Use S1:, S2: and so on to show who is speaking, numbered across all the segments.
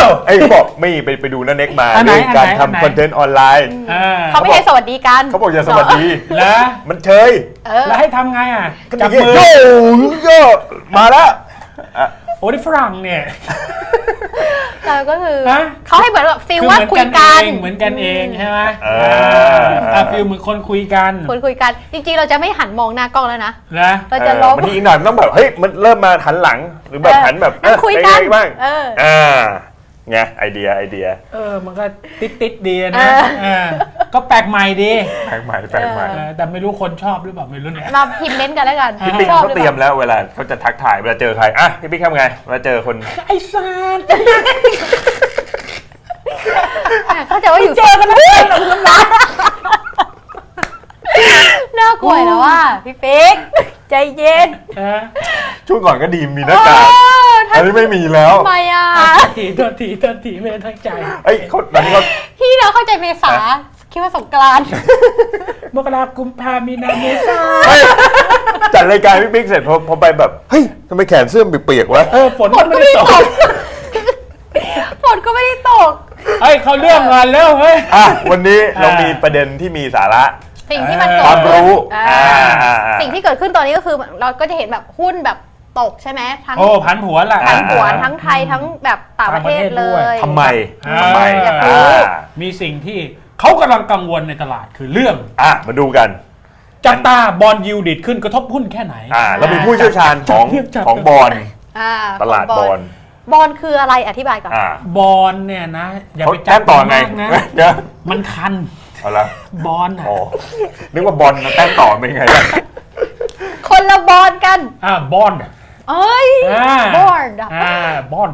S1: ไอ้เขาบอกไม่ไปดูนั่นเน็กมาเรื่องการทำคอนเทนต์ออนไลน์
S2: เขาไม่ให้สวัสดีกัน
S1: เขาบอกอย่าสวัสดี
S3: แล้ว
S1: มันเชย
S3: แล้วให้ทำไงอ่ะ
S1: จับมือโย่มาแล้ว
S3: โอ้ที่ฝรั่งเนี่ย
S2: เราก็คือเขาให้เหมือนแบบฟิลว่าคุยกัน
S3: เหมือนกันเองใช่ไหมฟิลเหมือนคนคุยกัน
S2: จริงๆเราจะไม่หันมองหน้ากล้องแล้วนะเราจะ
S1: ล้มมันอีกหน่อยมันต้องแบบเฮ้ยมันเริ่มมาหันหลังหรือแบบหันแบบ
S2: คุยกัน
S1: บ้างไงไอเดีย
S3: มันก็ติดดีนะก็แปลกใหม่ดี
S1: แปลกใหม่
S3: แต่ไม่รู้คนชอบหรือเปล่าไม่รู้เนี่ย
S2: มาพิมพ์เม้นกันแล้วกัน
S1: พี่ปิ๊กเขาเตรียมแล้วเวลาเขาจะทักทายเวลาเจอใครพี่ปิ๊กทำไงเวลาเจอคน
S3: ไอ้ซาน
S2: เขาจะว่าอยู่เจอกันแล้วน่ากลัวแล้วว่าพี่ปิ๊กใจเย็น
S1: ช่วงก่อนก็ดีมีหน้ากากอันนี้ไม่มีแล้ว
S2: ทำไม
S3: ทีไม่ได้ตั้งใจ
S1: ตอนนี้เขา
S2: พี่เราเข้าใจเมษาคิดว่าสงกรานต์
S3: มกรากุมภามีนาเมษา
S1: จัดรายการพี่ปิ๊กเสร็จพอไปแบบเฮ้ยทำไมแขนเสื้อเปียกๆวะ
S3: ฝนก็ไม่ได้ตก
S2: ฝนก็ไม่ได้ตก
S3: เขาเรื่องงานแล้วเฮ้ย
S1: วันนี้เรามีประเด็นที่มีสาระ
S2: สิ่งที่มันเกิด
S1: ความรู้
S2: สิ่งที่เกิดขึ้นตอนนี้ก็คือเราก็จะเห็นแบบหุ้นแบบตกใช่ไหมทั้ง
S3: ผันผวน
S2: ทั้งไทยทั้งแบบต่างประเทศเลย
S1: ทำไม
S2: อยากรู้
S3: มีสิ่งที่เขากำลังกังวลในตลาดคือเรื่อง
S1: มาดูกัน
S3: จับตาบอลยิวดิดขึ้นกระทบหุ้นแค่ไหน
S1: เรามีผู้เชี่ยวชาญของบอลตลาดบอล
S2: คืออะไรอธิบายก่อน
S3: บอลเนี่ยนะอย่าไปจั
S1: บต่อไงนะ
S3: มันคัน
S1: เอาละ
S3: บอล
S1: นึกว่าบอลแต้มต่อเป็นไง
S2: คนละบอลกัน
S3: บอล
S2: บอล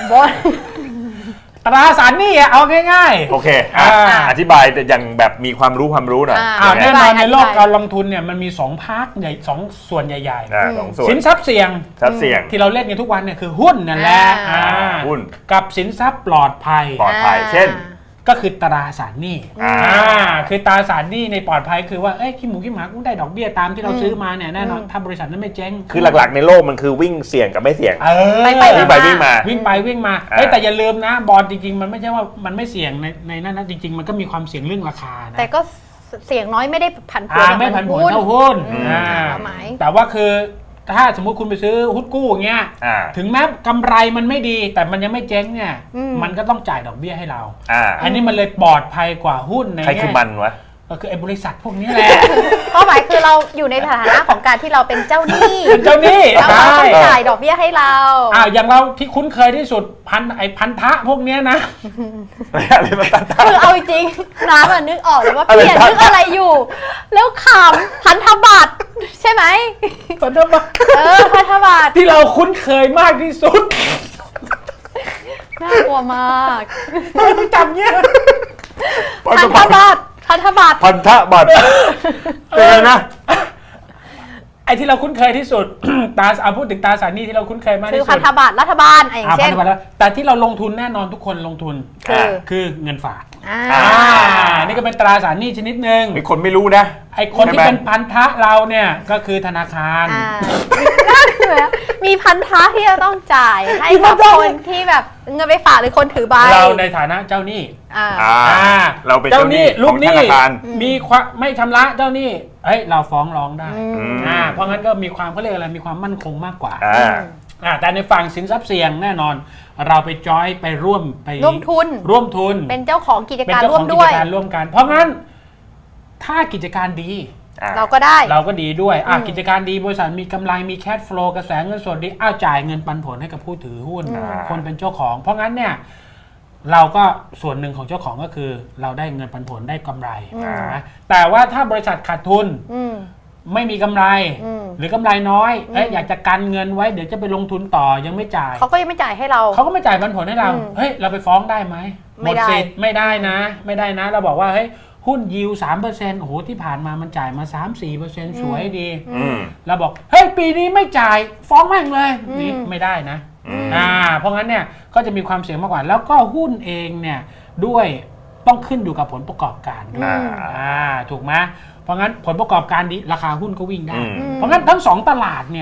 S3: ตราสารหนี้เอาง่าย
S1: ๆโอเคอธิบายอย่างแบบมีความรู้หน่อย
S3: แน่นอนในโลกการลงทุนเนี่ยมันมี2 พาร์ทใหญ่2 ส่วนใหญ่ๆสินทรัพย์เสี่ยงที่เราเล่นกันทุกวันเนี่ยคือหุ้นนั่นแหละ
S1: หุ้น
S3: กับสินทรัพย์ปลอดภัย
S1: เช่น
S3: ก็คือตราสารหนี้คือตราสารหนี้ในปลอดภัยคือว่าขี้หมูขี้หมากุ้งได้ดอกเบี้ยตามที่เราซื้อมาเนี่ยแน่นอนถ้าบริษัทนั้นไม่เจ๊ง
S1: คือหลักๆในโลกมันคือวิ่งเสี่ยงกับไม่เสี่ยง
S2: วิ่ง
S1: ไปวิ่ง
S3: มาแต่อย่าลืมนะบอลจริงๆมันไม่ใช่ว่ามันไม่เสี่ยงในนั้นนะจริงๆมันก็มีความเสี่ยงเรื่องราคานะ
S2: แต่ก็เสี่ยงน้อยไม่ได้ผันผวน
S3: ไม่ผันผวนเท่าหุ้นแต่ว่าคือถ้าสมมุติคุณไปซื้อหุ้นกู้อย่างเงี้ยถึงแม้กำไรมันไม่ดีแต่มันยังไม่เจ๊งเนี่ยมันก็ต้องจ่ายดอกเบี้ยให้เราอันนี้มันเลยปลอดภัยกว่าหุ้นใน
S1: ใครคือมันวะ
S3: ก็คือไอ้บริษัทพวกนี้แหละ
S2: เป้าหมายคือเราอยู่ในฐานะของการที่เราเป็นเจ้าหนี้เราต้องจ่ายดอกเบี้ยให้เรา
S3: อย่างเราที่คุ้นเคยที่สุดพันธะพวกนี้นะ
S1: อะไรมัน
S2: คือเอาจริงน้ำนึกออกเลยว่าเปลี่ยนนึกอะไรอยู่แล้วขำพันธบัตรใช่ไหม
S3: พันธบัตร
S2: พันธบัตร
S3: ที่เราคุ้นเคยมากที่สุด
S2: น่ากลัวมาก
S3: ไม่จำเนี้ย
S2: พันธบัตรพันธบัตร
S1: เป็นไงนะ
S3: ไอ้ที่เราคุ้นเคยที่สุดพูดถึงตราสารหนี้ที่เราคุ้นเคยมากที่สุด
S2: คือพันธบัตรรัฐบาลอย่างเช่น
S3: แต่ที่เราลงทุนแน่นอนทุกคนลงทุนคือเงินฝากนี่ก็เป็นตราสารหนี้ชนิดหนึ่ง
S1: มีคนไม่รู้นะ
S3: ไอ้คนที่เป็นพันธะเราเนี่ยก็คือธนาคาร
S2: มีพันธะที่จะต้องจ่ายให้กับคนที่แบบเงินไปฝากหรือคนถือใบ
S3: เราในฐานะเจ้าหนี้
S1: เราเป็นเจ้าหนี้
S3: ลูกหนี้มีไม่ชำระเจ้าหนี้เราฟ้องร้องได้เพราะงั้นก็มีความเขาเรียกอะไรมีความมั่นคงมากกว่าแต่ในฝั่งสินทรัพย์เสี่ยงแน่นอนเราไปจอยไปร่วมทุน
S2: เป็นเจ้าของกิจการร่วมด้วย
S3: กันเพราะงั้นถ้ากิจการดี
S2: เราก็
S3: ดีด้วยกิจการดีบริษัทมีกำไรมีแคชฟลูกระแสเงินสดดีจ่ายเงินปันผลให้กับผู้ถือหุ้นคนเป็นเจ้าของเพราะงั้นเนี่ยเราก็ส่วนหนึ่งของเจ้าของก็คือเราได้เงินปันผลได้กำไรนะแต่ว่าถ้าบริษัทขาดทุนไม่มีกำไรหรือกำไรน้อยอยากจะกันเงินไว้เดี๋ยวจะไปลงทุนต่อยังไม่จ่าย
S2: เขาก็ยังไม่จ่ายให้เรา
S3: เขาก็ไม่จ่ายปันผลให้เราเราไปฟ้องได้ไหมหมดสิทธิ์ไม่ได้นะเราบอกว่าหุ้นยิว 3% โอ้โหที่ผ่านมามันจ่ายมา 3-4% สวยดีเราบอกปีนี้ไม่จ่ายฟ้องแม่งเลยนี่ไม่ได้นะเพราะงั้นเนี่ยก็จะมีความเสี่ยงมากกว่าแล้วก็หุ้นเองเนี่ยด้วยต้องขึ้นอยู่กับผลประกอบการด้วยถูกไหมเพราะงั้นผลประกอบการดีราคาหุ้นก็วิ่งได้เพราะงั้นทั้ง2ตลาดเนี่ย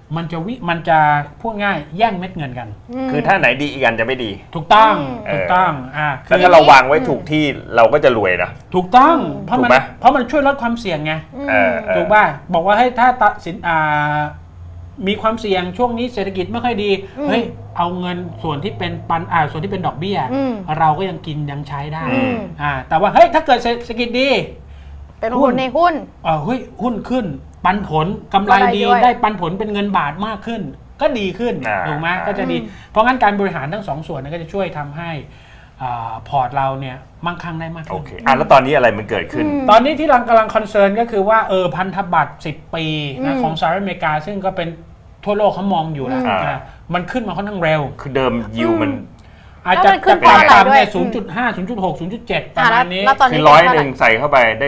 S3: มันจะพูดง่ายแย่งเม็ดเงินกัน
S1: คือถ้าไหนดีอีกอันจะไม่ดี
S3: ถูกต้องถูกต้อง
S1: แล้วถ้าเราวางไว้ถูกที่เราก็จะรวยนะ
S3: ถูกต้องเพราะ
S1: ถูกไหม
S3: มันช่วยลดความเสี่ยงไง ถูก
S1: ถูก
S3: ป่ะบอกว่าให้ถ้าตัดสินมีความเสี่ยงช่วงนี้เศรษฐกิจไม่ค่อยดีเฮ้ยเอาเงินส่วนที่เป็นส่วนที่เป็นดอกเบี้ยเราก็ยังกินยังใช้ได้แต่ว่าเฮ้ยถ้าเกิดเศรษฐกิจดี
S2: เป็นหุ้นในหุ้น
S3: เฮ้ยหุ้นขึ้นปันผลกำไรดีได้ปันผลเป็นเงินบาทมากขึ้นก็ดีขึ้นถูกไหมก็จะดีเพราะงั้นการบริหารทั้งสองส่วนนั้นก็จะช่วยทำให้พอร์ตเราเนี่ยมั่งคั่งได้มากขึ้น
S1: โอเคแล้วตอนนี้อะไรมันเกิดขึ้น
S3: ตอนนี้ที่กำลังคอนเซิร์นก็คือว่าพันธบัตร10 ปีนะของสหรัฐอเมริกาซึ่งก็เป็นทั่วโลกเขามองอยู่แล้วมันขึ้นมาค่อนข้างเร็ว
S1: คือเดิมยิวมัน
S3: อาจจะต่ำเนี่ย0.5 0.6 0.7 ประมาณนี้
S1: คือ100ใส่เข้าไปได้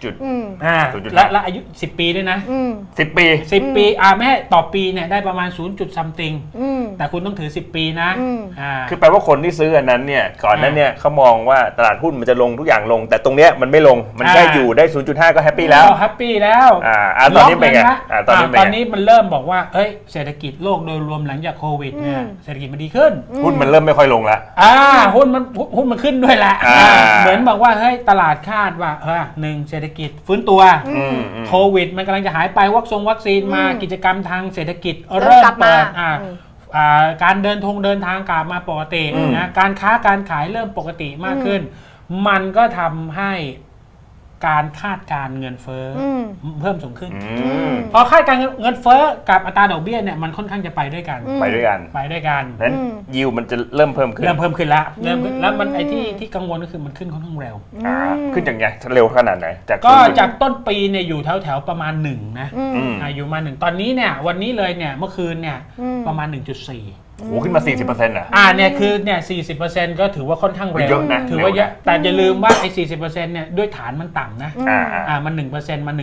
S1: 0.
S3: และอายุ10 ปีด้วยนะ
S1: 10 ปี
S3: 10 ปีไม่ให้ต่อปีเนี่ยได้ประมาณ0 something แต่คุณต้องถือ10 ปีนะ
S1: คือแปลว่าคนที่ซื้ออันนั้นเนี่ยก่อนนั้นเนี่ยเขามองว่าตลาดหุ้นมันจะลงทุกอย่างลงแต่ตรงเนี้ยมันไม่ลงมันแค่อยู่ได้ 0.5 ก็แฮปปี้แล้ว
S3: แฮปปี้แล้ว
S1: ตอนนี้เป็นไง
S3: ตอนนี้มันเริ่มบอกว่าเศรษฐกิจโลกโดยรวมหลังจากโควิดเนี่ยเศรษฐกิจมันดีขึ้น
S1: หุ้นมันเริ่มไม่ค่อยลงแล้ว
S3: หุ้นมันขึ้นด้วยแหละเหมือนบอกว่าเฮ้ยตลาดคาดว่า1เศรษฐกิจฟื้นตัวโควิดมันกำลังจะหายไปวัคซีนมากิจกรรมทางเศรษฐกิจเริ่มเปิดการเดินทางกลับมาปกตินะการค้าการขายเริ่มปกติมากขึ้นมันก็ทำให้การคาดการเงินเฟ้อเพิ่มสูงขึ้นพอคาดการเงินเฟ้อกับอัตราดอกเบี้ยเนี่ยมันค่อนข้างจะไปด้วยกัน
S1: นั้นยิวมันจะเริ่มเพิ่มขึ้น
S3: แล้วมันไอ้ที่กังวลก็คือมันขึ้นค่อนข้างเร็ว
S1: ขึ้นอย่างไงเร็วขนาดไหน
S3: ก็จากต้นปีเนี่ยอยู่แถวประมาณ1นะอยู่มา1ตอนนี้เนี่ยวันนี้เลยเนี่ยเมื่อคืนเนี่ยประมาณ 1.4
S1: โอ้ขึ้นมา 40%
S3: เนี่ยคือเนี่ย 40% ก็ถือว่าค่อนข้างเร็วถือว่าเยอะแต่อย่าลืมว่าไอ้ 40% เนี่ยด้วยฐานมันต่ำนะมัน 1% มัน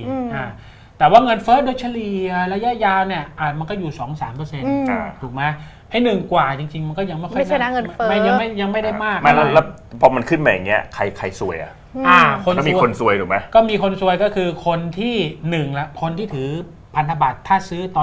S3: 1.4 แต่ว่าเงินเฟ้อโดยเฉลี่ยระยะยาวเนี่ยมันก็อยู่ 2-3% ถูกไหมไอ้1 กว่าจริงๆมันก็ยังไม่ค่อย
S2: ไม่ใช่นะเงินเฟ้อ
S3: ยังไม่ได้มาก
S1: แล้วพอมันขึ้นมาอย่างเงี้ยใครซวยก็มีคนซวยถูกไหม
S3: ก็มีคนซวยก็คือคนที่1ละคนที่ถือพันธบัตรถ้าซื้อตอน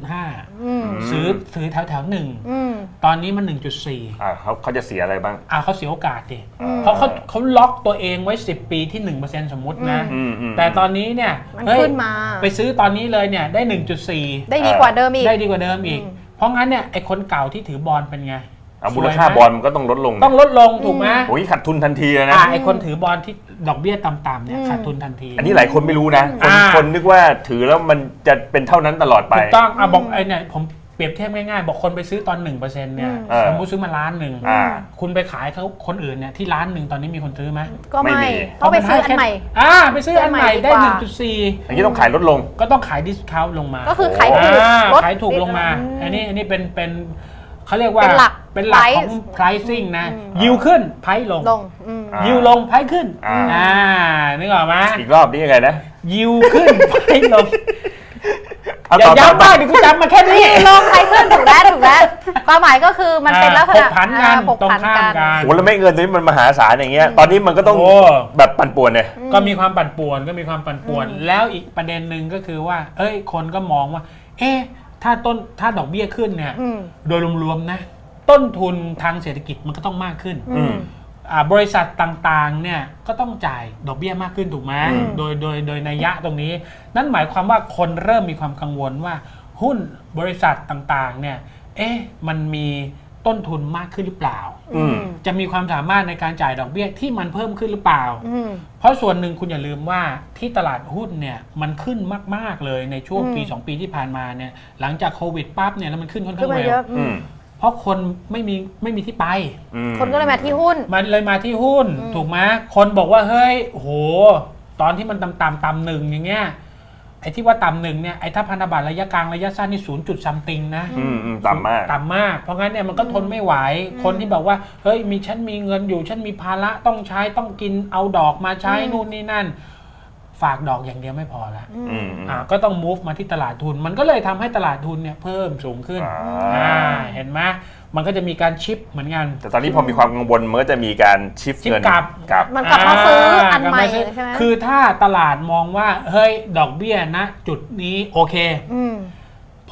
S3: 0.5 ซื้อแถว1ตอนนี้มัน 1.4
S1: เขาจะเสียอะไรบ้าง
S3: เขาเสียโอกาสดิเพราะเขาล็อกตัวเองไว้10 ปีที่ 1% สมมุตินะแต่ตอนนี้เนี่ย
S2: มันขึ้นมา
S3: ไปซื้อตอนนี้เลยเนี่ยได้ 1.4
S2: ได้ดีกว่าเดิมอีก
S3: เพราะงั้นเนี่ยไอคนเก่าที่ถือบอลเป็นไง
S1: มูลค่าบอลมันก็ต้องลดลง
S3: ถูกไหม
S1: โอ้ยขาดทุนทันทีเลยนะ
S3: ไอคนถือบอลที่ดอกเบี้ยต่ำๆเนี่ยขาดทุนทันที
S1: อันนี้หลายคนไม่รู้นะคนนึกว่าถือแล้วมันจะเป็นเท่านั้นตลอดไป
S3: ถูกต้องบอกไอเนี่ยผมเปรียบเทียบง่ายๆบอกคนไปซื้อตอน 1% เนี่ยสมมติซื้อมา1,000,000คุณไปขายเขาคนอื่นเนี่ยที่1,000,000ตอนนี้มีคนซื้อไหม
S2: ก็ไม่ต้องไปซื้ออันใหม่
S3: ไปซื้ออันใหม่ได้ 1.4
S1: อย่างนี้ต้องขายลดลง
S3: ก็ต้องขายดิสคาวต์ลงมา
S2: ก็คือขาย
S3: ถูกลงมาอันนี้เป็นเขาเรียกว่าเป็นหลักของ pricing นะยิวขึ้นไพลงยิวลงไพขึ้นนึกออกไหม
S1: อีกรอบนี้ยังไงนะ
S3: ยิวขึ้นไพลงอย่าย้ำมากดิกูจำมาแค่นี้
S2: ลงไพขึ้นถูกแล้วความหมายก็คือมันเป็นลักษณะ
S3: ผกผันกันตรงข้ามกัน
S1: โอ้แล้วไม่เงินนี้มันมหาศาลอย่างเงี้ยตอนนี้มันก็ต้องแบบปั่นป่วนเลย
S3: ก็มีความปั่นป่วนแล้วอีกประเด็นหนึ่งก็คือว่าคนก็มองว่าถ้าดอกเบี้ยขึ้นเนี่ยโดยรวมๆนะต้นทุนทางเศรษฐกิจมันก็ต้องมากขึ้นบริษัทต่างๆเนี่ยก็ต้องจ่ายดอกเบี้ยมากขึ้นถูกไหมโดยนัยยะตรงนี้นั่นหมายความว่าคนเริ่มมีความกังวลว่าหุ้นบริษัทต่างๆเนี่ยมันมีต้นทุนมากขึ้นหรือเปล่าจะมีความสามารถในการจ่ายดอกเบี้ยที่มันเพิ่มขึ้นหรือเปล่าเพราะส่วนหนึ่งคุณอย่าลืมว่าที่ตลาดหุ้นเนี่ยมันขึ้นมากๆเลยในช่วงปี2 ปีที่ผ่านมาเนี่ยหลังจากโควิดปั๊บเนี่ยแล้วมันขึ้นค่อนข้างเร็วเพราะคนไม่มีที่ไป
S2: คนก็เลยมาที่หุ้น
S3: ถูกไหมคนบอกว่าเฮ้ยโหตอนที่มันต่ำ1อย่างเงี้ยไอ้ที่ว่าต่ำ1เนี่ยไอ้ถ้าพันธบัตรระยะกลางระยะสั้นนี่0 something นะ
S1: ต่ำมาก
S3: เพราะงั้นเนี่ยมันก็ทนไม่ไหวคนที่บอกว่าเฮ้ยฉันมีเงินอยู่ฉันมีภาระต้องใช้ต้องกินเอาดอกมาใช้นู่นนี่นั่นฝากดอกอย่างเดียวไม่พอละก็ต้อง move มาที่ตลาดทุนมันก็เลยทำให้ตลาดทุนเนี่ยเพิ่มสูงขึ้นเห็นไหมมันก็จะมีการชิปเหมือนกัน
S1: แต่ตอนนี้พอมีความกังวลมันก็จะมีการชิปเงิน
S2: กลับมันกลับมาซื้ออันใหม่ใช่ไหม
S3: คือถ้าตลาดมองว่าเฮ้ยดอกเบี้ยนะจุดนี้โอเคพ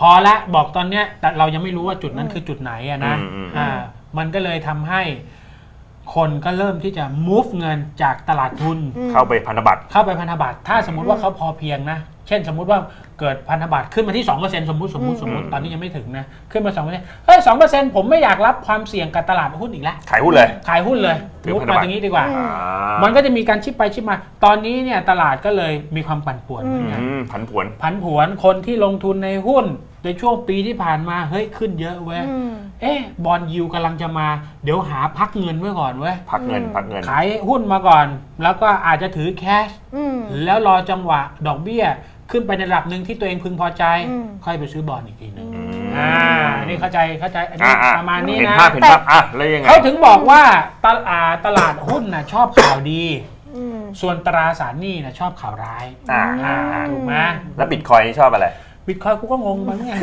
S3: อละบอกตอนเนี้ยแต่เรายังไม่รู้ว่าจุดนั้นคือจุดไหนอะนะมันก็เลยทำให้คนก็เริ่มที่จะ move เงินจากตลาดทุน
S1: เข้าไปพันธบัตร
S3: ถ้าสมมุติว่าเขาพอเพียงนะเช่นสมมุติว่าเกิดพันธบัตรขึ้นมาที่ 2% สมมุติตอนนี้ยังไม่ถึงนะขึ้นมา 2% เฮ้ย 2% ผมไม่อยากรับความเสี่ยงกับตลาดหุ้นอีกแล้ว
S1: ขายหุ้นเลย
S3: มุดมาตรงนี้ดีกว่ามันก็จะมีการชิปไปชิปมาตอนนี้เนี่ยตลาดก็เลยมีความปั่นป่วนเหมือนกัน
S1: ผันผวน
S3: คนที่ลงทุนในหุ้นในช่วงปีที่ผ่านมาเฮ้ยขึ้นเยอะเว้ยบอนด์ยิลด์กำลังจะมาเดี๋ยวหาพักเงินไว้ก่อนเว้ย
S1: พักเงิน
S3: ขายหุ้นมาก่อนแล้วก็อาจจะถือแคชแล้วรอจังหวะดอกเบี้ยขึ้นไปในระดับหนึ่งที่ตัวเองพึงพอใจค่อยไปซื้อบอนด์อีกทีนึงนี่เข้าใจอันนี้ประมาณนี้นะ
S1: เห็นภาพแล้วยังไง
S3: เขาถึงบอกว่าตลาดหุ้นน่ะชอบข่าวดีส่วนตราสารหนี้น่ะชอบข่าวร้ายถูกไหม
S1: แล้วบิตคอยนี่ชอบอะไร
S3: บิตคอยกูก็งงมันไง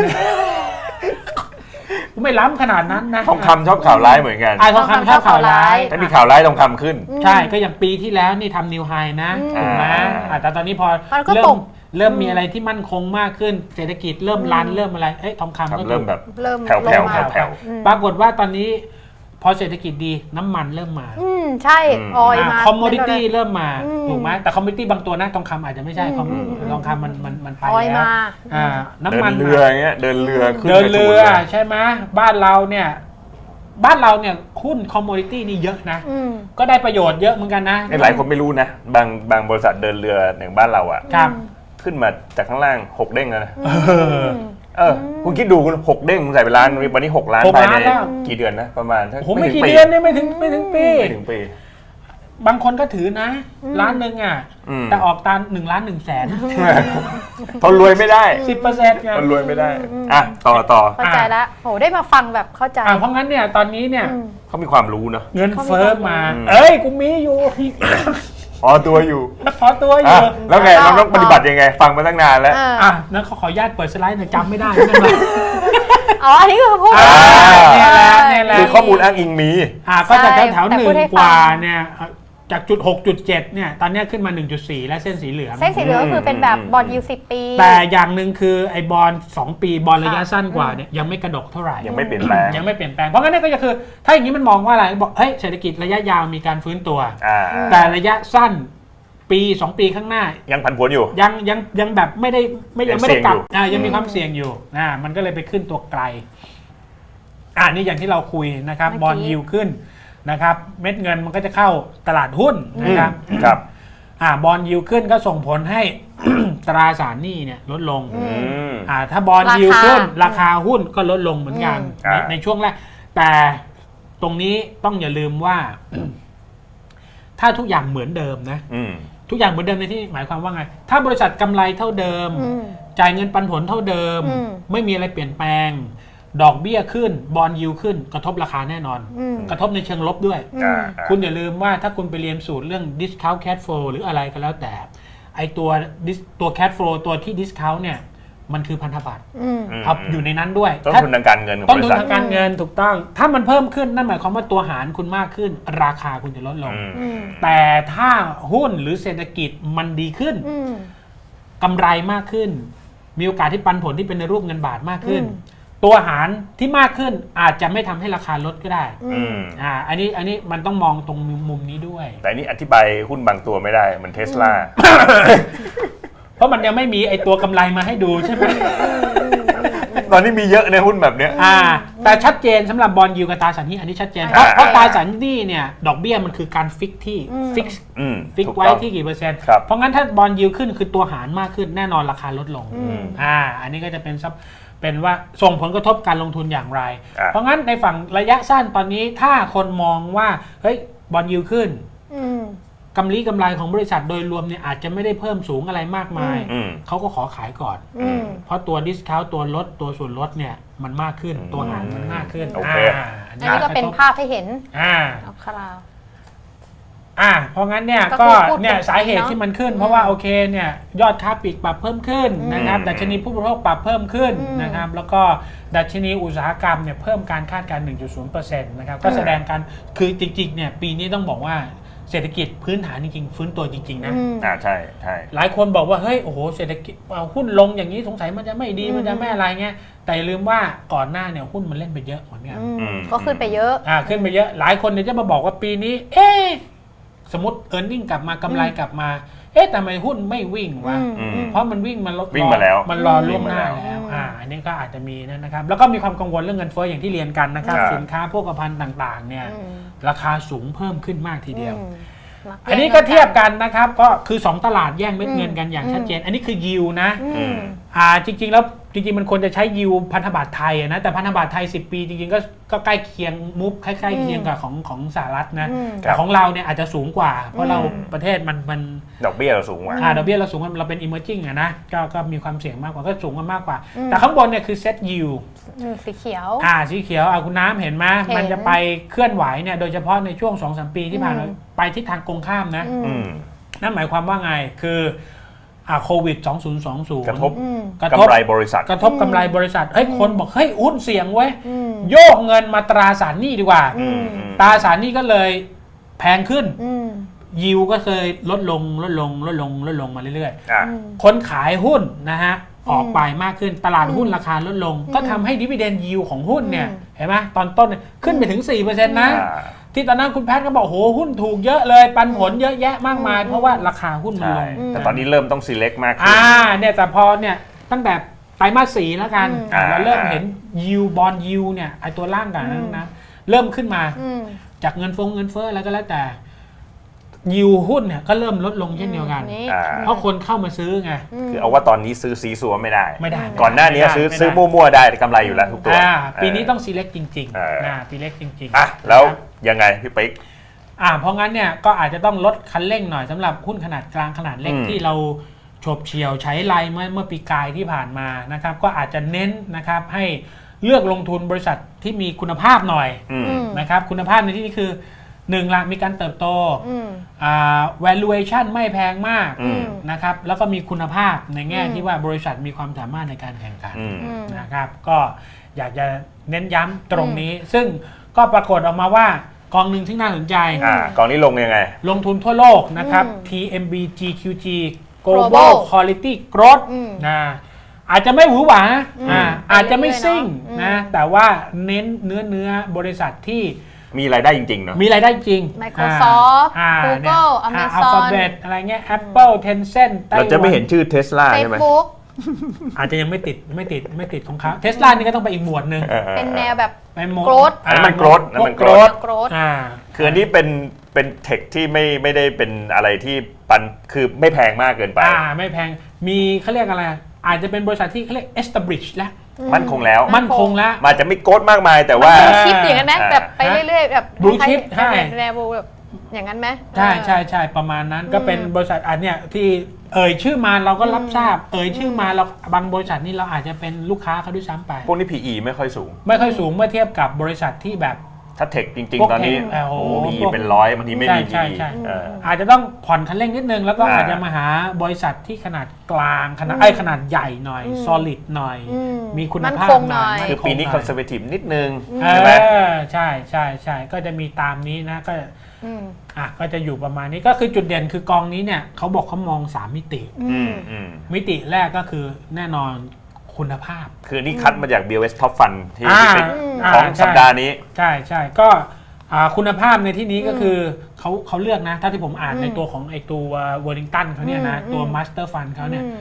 S3: กูไม่ล้ำขนาดนั้นนะ
S1: ทองคำชอบข่าวร้ายเหมือนกัน
S3: ทองคำชอบข่าวร้าย
S1: ถ้ามีข่าวร้ายทองคำขึ้น
S3: ใช่ก็อย่างปีที่แล้วนี่ทำนิวไฮนะถูกไหมแต่ตอนนี้พอเริ่มมีอะไรที่มั่นคงมากขึ้นเศรษฐกิจเริ่มรันเริ่มอะไรทองคำก็
S1: เริ่มแบบแผ่ว
S3: ปรากฏว่าตอนนี้พอเศรษฐกิจดีน้ำมันเริ่มมา
S2: ใช่ออยมา
S3: คอมโมดิตี้เริ่มมาถูกไหมแต่คอมโมดิตี้บางตัวนะทองคำอาจจะไม่ใช่ทองคำมันไปแล้ว
S1: น้ำมันเรือเงี้ยเดินเรือ
S3: ใช่ไหมบ้านเราเนี่ยหุ้นคอมโมดิตี้นี่เยอะนะก็ได้ประโยชน์เยอะเหมือนกันนะ
S1: หลายคนไม่รู้นะบางบริษัทเดินเรืออย่างบ้านเราอ่ะขึ้นมาจากข้างล่าง6เด้งแล้วนะคุณคิดดูคุณ6เด้งใส่ไปล้านวันนี้6 ล้านภายในกี่เดือนนะประมาณ
S3: ไม่กี่เดือนเนี่ยไม่ถึงปีบางคนก็ถือนะล้านหนึ่งอ่ะแต่ออกตาม1 ล้าน 1 แสน
S1: ทนรวยไม่ได้
S3: 10% ไง
S1: ทนรวยไม่ได้ต่อ
S2: เข้าใจแล้วโหได้มาฟังแบบเข้าใจ
S3: เพราะงั้นเนี่ยตอนนี้เนี่ย
S1: เขามีความรู้เนาะ
S3: เงินเฟ้อมากูมีอยู่
S1: พอตัวอยู่
S3: แล้ว
S1: ไงเราต้องปฏิบัติยังไงฟังมาตั้งนานแล้ว
S3: นั้นขออนุญาตเปิดสไลด์หน่อยจำไม่ได้
S2: อันนี้คือพูด
S1: นี่แหละคือข้อมูลอ้างอิงมี
S3: ก็จากแถว1 กว่าเนี่ยจากจุด 6.7 เนี่ยตอนนี้ขึ้นมา 1.4 และเส้นสีเหลือง
S2: ก็คือเป็นแบบบอนด์ยิลด์10 ปี
S3: แต่อย่างหนึ่งคือไอ้บอนด์2 ปีบอนด์ระยะสั้นกว่าเนี่ยยังไม่กระดกเท่าไหร่
S1: ยังไม่เปลี่ยนแปลง
S3: เพราะงั้นก็คือถ้าอย่างนี้มันมองว่าอะไรบอกเฮ้ยเศรษฐกิจระยะยาวมีการฟื้นตัวแต่ระยะสั้นปี2 ปีข้างหน้า
S1: ยังผันผวนอยู่
S3: ยังแบบไม่ได้กลับยังมีความเสี่ยงอยู่มันก็เลยไปขึ้นตัวไกลนี่อย่างที่เราคุยนะครับบอนด์ยิลด์ขึ้นนะครับเม็ดเงินมันก็จะเข้าตลาดหุ้นนะครับบอนด์ยิลด์ขึ้นก็ส่งผลให้ ตราสารหนี้เนี่ยลดลงถ้าบอนด์ยิลด์ขึ้นราคาหุ้นก็ลดลงเหมือนกันในช่วงแรกแต่ตรงนี้ต้องอย่าลืมว่า ถ้าทุกอย่างเหมือนเดิมนะทุกอย่างเหมือนเดิมในที่หมายความว่าไงถ้าบริษัทกำไรเท่าเดิมจ่ายเงินปันผลเท่าเดิมไม่มีอะไรเปลี่ยนแปลงดอกเบี้ยขึ้นบอนด์ยิลด์ขึ้นกระทบราคาแน่นอนกระทบในเชิงลบด้วยคุณอย่าลืมว่าถ้าคุณไปเรียนสูตรเรื่อง discount cash flow หรืออะไรก็แล้วแต่ไอตัว cash flow ตัวที่ discount เนี่ยมันคือพันธบัตรเอาอยู่ในนั้นด้วย
S1: ต้นทุนทางการเงิน
S3: ต้นทุนทางการเงินถูกต้องถ้ามันเพิ่มขึ้นนั่นหมายความว่าตัวหารคุณมากขึ้นราคาคุณจะลดลงแต่ถ้าหุ้นหรือเศรษฐกิจมันดีขึ้นกำไรมากขึ้นมีโอกาสที่ปันผลที่เป็นในรูปเงินบาทมากขึ้นตัวหารที่มากขึ้นอาจจะไม่ทำให้ราคาลดก็ได้อันนี้มันต้องมองตรงมุมนี้ด้วย
S1: แต่นี่อธิบายหุ้นบางตัวไม่ได้มันเทสลา
S3: เพราะมันยังไม่มีไอตัวกำไรมาให้ดูใช่ไหม
S1: ตอนนี้มีเยอะในหุ้นแบบเนี้ย
S3: แต่ชัดเจนสำหรับบอนด์ยิลด์กับตราสารหนี้อันนี้ชัดเจนเพราะตราสารหนี้เนี่ยดอกเบี้ยมันคือการฟิกที่ฟิกไว้ที่กี่เปอร์เซ็นต์เพราะงั้นถ้าบอนด์ยิลด์ขึ้นคือตัวหารมากขึ้นแน่นอนราคาลดลงอันนี้ก็จะเป็นว่าส่งผลกระทบการลงทุนอย่างไรเพราะงั้นในฝั่งระยะสั้นตอนนี้ถ้าคนมองว่าเฮ้ยบอนด์ยิลด์ขึ้นกำไรของบริษัทโดยรวมเนี่ยอาจจะไม่ได้เพิ่มสูงอะไรมากมายเขาก็ขอขายก่อนเพราะตัวดิสคาวต์ตัวลดตัวส่วนลดเนี่ยมันมากขึ้นตัวหารมันมากขึ้น
S2: อันนี้ก็เป็นภาพให้เห็น
S3: เพราะงั้นเนี่ยก็เนี่ยสาเหตุที่มันขึ้นเพราะว่าโอเคเนี่ยยอดค้าปลีกปรับเพิ่มขึ้นนะครับดัชนีผู้บริโภคปรับเพิ่มขึ้นนะครับแล้วก็ดัชนีอุตสาหกรรมเนี่ยเพิ่มการคาดการณ์ 1.0% นะครับก็แสดงการคือจริงๆเนี่ยปีนี้ต้องบอกว่าเศรษฐกิจพื้นฐานจริงๆฟื้นตัวจริงๆนะ
S1: ใช่ใช่
S3: หลายคนบอกว่าเฮ้ยโอ้โหเศรษฐกิจหุ้นลงอย่างนี้สงสัยมันจะไม่ดีมันจะไม่อะไรเงี้ยแต่ลืมว่าก่อนหน้าเนี่ยหุ้นมันเล่นไปเยอะเหมือนกัน
S2: ก็ขึ้นไปเยอะ
S3: ขึ้นไปเยอะหลายคนเนี่ยจะมาบอกว่าปีนี้สมมติ earning กลับมากำไรกลับมาทำไมหุ้นไม่วิ่งวะเพราะมันวิ่งมัน
S1: มาแล้ว
S3: มันรอล่วงหน้าแล้วอันนี้ก็อาจจะมีนะครับแล้วก็มีความกังวลเรื่องเงินเฟ้ออย่างที่เรียนกันนะครับสินค้าโภคภัณฑ์ต่างๆเนี่ยราคาสูงเพิ่มขึ้นมากทีเดียวอันนี้ก็เทียบกันนะครับก็คือ2ตลาดแย่งเม็ดเงินกันอย่างชัดเจนอันนี้คือยิวนะจริงๆแล้วจริงๆมันควรจะใช้ยิวพันธบัตรไทยนะแต่พันธบัตรไทย10 ปีจริงๆก็ใกล้เคียงมุฟใกล้ๆเคียงกับของสหรัฐนะแต่ของเราเนี่ยอาจจะสูงกว่าเพราะเราประเทศมัน
S1: ดอกเบี้ยเราสูงกว่า
S3: ดอกเบี้ยเราสูงเราเป็น emerging นะก็มีความเสี่ยงมากกว่าก็สูงกันมากกว่าแต่ข้างบนเนี่ยคือ set yield
S2: สีเขียว
S3: สีเขียวคุณน้ำเห็นไหมมันจะไปเคลื่อนไหวเนี่ยโดยเฉพาะในช่วง 2-3 ปีที่ผ่านมาไปทิศทางตรงข้ามนะนั่นหมายความว่าไงคือโควิด2020
S1: กระทบกำไรบริษัท
S3: กระทบกำไรบริษัทคนบอกเฮ้ยหุ้นเสี่ยงเว้ยโยกเงินมาตราสารหนี้ดีกว่าตราสารหนี้ก็เลยแพงขึ้นยิวก็เคยลดลงมาเรื่อยๆคนขายหุ้นนะฮะออกไปมากขึ้นตลาดหุ้นราคาลดลงก็ทำให้ดิวิเดนด์ยิวของหุ้นเนี่ยเห็นไหมตอนต้นขึ้นไปถึง 4% นะที่ตอนนั้นคุณแพทย์ก็บอกโหหุ้นถูกเยอะเลยปันผลเยอะแยะมากมายเพราะว่าราคาหุ้นมันลง
S1: แต่ตอนนี้เริ่มต้อง select มากขึ้น
S3: เนี่ยแต่พอเนี่ยตั้งแต่ไตรมาส 4แล้วกันเราเริ่มเห็นยิวบอนด์ยิวเนี่ยไอตัวล่างกันนะเริ่มขึ้นมาจากเงินเฟ้ออะไรก็แล้วแต่ยิวหุ้นเนี่ยก็เริ่มลดลงเช่นเดียวกันเพราะคนเข้ามาซื้อไง
S1: คือเอาว่าตอนนี้ซื้อซีซัวไม่ได้ก่อนหน้านี้ซื้อมั่วๆได้กำไรอยู่แล้วทุกตัว
S3: ปีนี้ต้อง select จริงๆselect จริง
S1: ๆแล้วยังไงพี่ปิ๊ก
S3: เพราะงั้นเนี่ยก็อาจจะต้องลดคันเร่งหน่อยสำหรับหุ้นขนาดกลางขนาดเล็กที่เราโฉบเฉี่ยวใช้ไลน์เมื่อปีกายที่ผ่านมานะครับก็อาจจะเน้นนะครับให้เลือกลงทุนบริษัทที่มีคุณภาพหน่อยนะครับคุณภาพในที่นี้คือ1ละมีการเติบโตvaluation ไม่แพงมากนะครับแล้วก็มีคุณภาพในแง่ที่ว่าบริษัทมีความสามารถในการแข่งขันนะครับก็อยากจะเน้นย้ำตรงนี้ซึ่งก็ปรากฏออกมาว่ากองหนึ่งที่น่าสนใจ
S1: กองนี้ลงยังไง
S3: ลงทุนทั่วโลกนะครับ TMB GQG Global Quality Growth อาจจะไม่หวือหวาอาจจะไม่ซิ่งนะแต่ว่าเน้นเนื้อบริษัทที่
S1: มีรายได้จริงๆเนาะ
S3: มีรายได้จริง
S2: Microsoft Google Amazon
S3: Alphabet อะไรเงี้ย Apple Tencent
S1: เราจะไม่เห็นชื่อ Tesla ใช่ไหม
S2: Facebook
S3: อาจจะยังไม่ติดของเขา Tesla นี่ก็ต้องไปอีกหมวดนึง
S2: เป็นแนวแบบ
S3: โกรธ
S1: อันนั้นมันโกรธคืออันนี้เป็นเทคที่ไม่ได้เป็นอะไรที่คือไม่แพงมากเกินไป
S3: ไม่แพงมีเขาเรียกอะไรอาจจะเป็นบริษัทที่เขาเรียก established แล้ว
S1: มั่นคงแล้ว
S3: มัน
S1: จะไม่โกรธมากมายแต่ว่า
S2: บลูชิปอย่างนั้นไหมแบบไปเรื่อยๆแบบ
S3: บลูชิปใช่
S2: แนวแบบอย่างนั้นไหม
S3: ใช่ประมาณนั้นก็เป็นบริษัทอันเนี้ยที่ชื่อมาเราก็รับทราบชื่อมาเราบางบริษัทนี่เราอาจจะเป็นลูกค้าเขาด้วยซ้ำไป
S1: พวกนี้ PE ไม่ค่อยสูง
S3: เมื่อเทียบกับบริษัทที่แบบ
S1: ถ้าเทคจริงๆตอนนี้PE เป็น100บางทีไม่มี PE
S3: อาจจะต้องผ่อนคันเร่งนิดนึงแล้วก็อาจจะมาหาบริษัทที่ขนาดกลางขนาดใหญ่หน่อย solid หน่อยมีคุณภาพหน่อย
S1: คือปีนี้ conservative นิดนึง
S3: ใช่ไหมใช่ก็จะมีตามนี้นะก็จะอยู่ประมาณนี้ก็คือจุดเด่นคือกองนี้เนี่ยเขาบอกเขามอง3มิติมิติแรกก็คือแน่นอนคุณภาพ
S1: คือนี่คัดมาจาก BOS Top Fund ที่เป็นของสัปดาห์นี้
S3: ใช่ก็คุณภาพในที่นี้ก็คือเขาเลือกนะถ้าที่ผมอ่านในตัวของไอตัว Wellington เขาเนี่ยนะตัว Master Fund เขาเนี่ย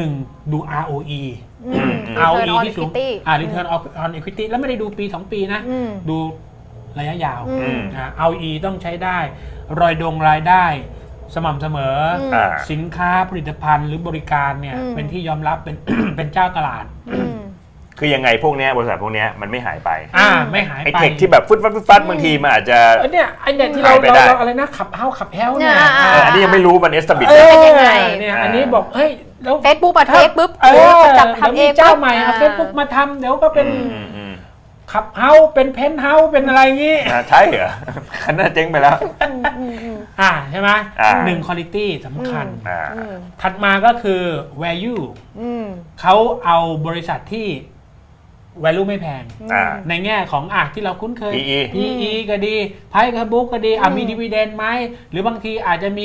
S3: 1ดู ROE ที่สูงReturn on Equity แล้วไม่ได้ดูปี2ปีนะดูระยะยาวROE ต้องใช้ได้รายได้สม่ำเสมอสินค้าผลิตภัณฑ์หรือบริการเนี่ยเป็นที่ยอมรับเป็นเจ้าตลาด
S1: คือยังไงพวกนี้บริษัทพวกนี้มันไม่หายไป
S3: ไม่หายไป
S1: ไอเทคที่แบบฟัดบางทีมันอาจจะ
S3: เนี่ยไอเนี่ยที่เราอะไรนะขับเฮ้าเนี่ย
S1: อันนี้ยังไม่รู้มันเอสตับบิท
S2: เป็นยังไง
S3: เนี่ยอันนี้บอกเฮ้ยแล้ว
S2: เฟซบุ๊กมาเทคปุ๊บ
S3: จับทำเองเจ้าใหม่เอาเฟซบุ๊กมาทำเดี๋ยวก็เป็นขับเฮาเป็นเพนท์เฮาเป็นอะไรงี้
S1: ใช่เหรอขนาดเจ๊งไปแล้ว
S3: ใช่ไหม1 quality สำคัญถัดมาก็คือ value เขาเอาบริษัทที่ value ไม่แพง ในแง่ของที่เราคุ้นเคย PE ก็ดี Price to book ก็ดีมี dividend ไหมหรือบางทีอาจจะมี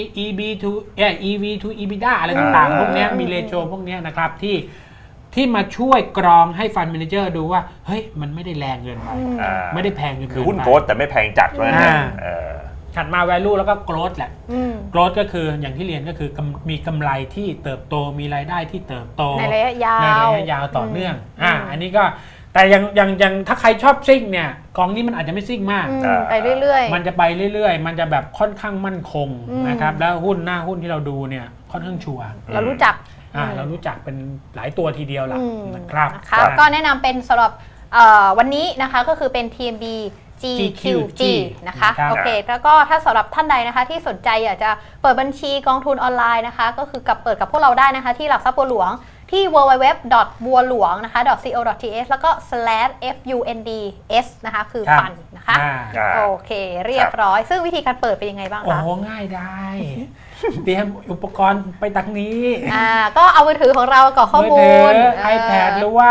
S3: EV to EBITDA อะไรต่างๆพวกนี้มี ratio พวกนี้นะครับที่มาช่วยกรองให้ Fund Manager ดูว่าเฮ้ยมันไม่ได้แรงเกินไปไม่ได้แพงเกินไป
S1: คือหุ้นโกรทแต่ไม่แพงจัดเลย
S3: ถัดมา value แล้วก็ growth แหละ growth ก็คืออย่างที่เรียนก็คือมีกำไรที่เติบโตมีรายได้ที่เติบโต
S2: ในระยะ
S3: ยาวต่อเนื่องอันนี้ก็แต่อย่างถ้าใครชอบซิ่งเนี่ยกองนี้มันอาจจะไม่ซิ่งมาก
S2: ไปเรื่อยๆ
S3: มันจะไปเรื่อยๆมันจะแบบค่อนข้างมั่นคงนะครับแล้วหน้าหุ้นที่เราดูเนี่ยค่อนข้างชัวร์
S2: เรารู้จัก
S3: เป็นหลายตัวทีเดียวล่ะนะครับ
S2: ก็แนะนำเป็นสำหรับวันนี้นะคะก็คือเป็น TMB GQG นะคะโอเคแล้วก็ถ้าสำหรับท่านใดนะคะที่สนใจอยากจะเปิดบัญชีกองทุนออนไลน์นะคะก็คือเปิดกับพวกเราได้นะคะที่หลักทรัพย์บัวหลวงที่ www.bualhuang นะคะ .co.th แล้วก็ /funds นะคะคือฟันนะคะโอเคเรียบร้อยซึ่งวิธีการเปิดเป็นยังไงบ้างคะ
S3: โอ้ง่ายได้เตรียมอุปกรณ์ไปตักนี้
S2: ก็เอามือถือของเรากรอกข้อมูล
S3: iPad หรือว่า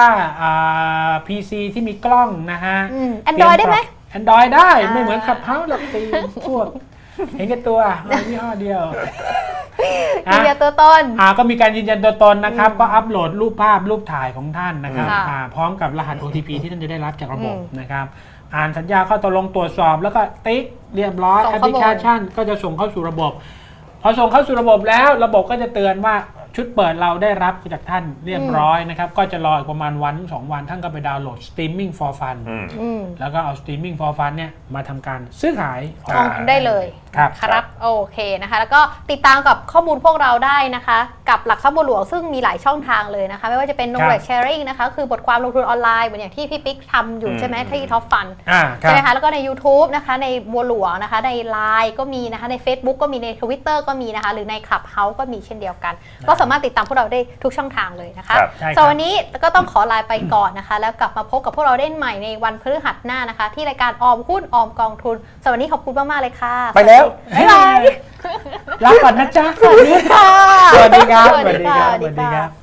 S3: PC ที่มีกล้องนะฮะ
S2: Android ได้ไหม
S3: Android ได้ไม่เหมือนขับเฮ้าหรอกตีพวกเห็นแก่ตัวยี่ห้อเดียว
S2: ยืนยันตัวตน
S3: ก็มีการยืนยันตัวตนนะครับก็อัปโหลดรูปภาพรูปถ่ายของท่านนะครับพร้อมกับรหัส OTP ที่ท่านจะได้รับจากระบบนะครับอ่านสัญญาข้อตกลงตรวจสอบแล้วก็ติ๊กเรียบร้อยแอปพลิเคชันก็จะส่งเข้าสู่ระบบพอส่งเข้าสู่ระบบแล้วระบบก็จะเตือนว่าชุดเปิดเราได้รับจากท่านเรียบร้อยนะครับก็จะรออีกประมาณ2 วันท่านก็ไปดาวน์โหลด Streaming for Fun แล้วก็เอา Streaming for Fun เนี่ยมาทำการซื้อขาย
S2: ได้เลยครับโอเคนะคะแล้วก็ติดตามกับข้อมูลพวกเราได้นะคะกับหลักทรัพย์บัวหลวงซึ่งมีหลายช่องทางเลยนะคะไม่ว่าจะเป็น knowledge sharing นะคะคือบทความลงทุนออนไลน์เหมือนอย่างที่พี่ปิ๊กทำอยู่ใช่ไหมที่ Top Fund ใช่ไหมคะแล้วก็ใน YouTube นะคะในบัวหลวงนะคะใน Line ก็มีนะคะใน Facebook ก็มีใน Twitter ก็มีนะคะหรือใน Clubhouse ก็มีเช่นเดียวกันก็สามารถติดตามพวกเราได้ทุกช่องทางเลยนะคะสำหรับวันนี้ก็ต้องขอลาไปก่อนนะคะแล้วกลับมาพบกับพวกเราได้ใหม่ในวันพฤหัสหน้านะคะที่รายการออมหุ้นออมกองทุนสำหรับวันนี้ขอบคุณมากๆเลยค่ะ
S3: ไปแล้ว
S2: บ๊ายบาย
S3: ลาก่อนนะจ๊ะ
S2: สวัสดีค่ะ
S3: สวัสดีครับสวัสดีครับ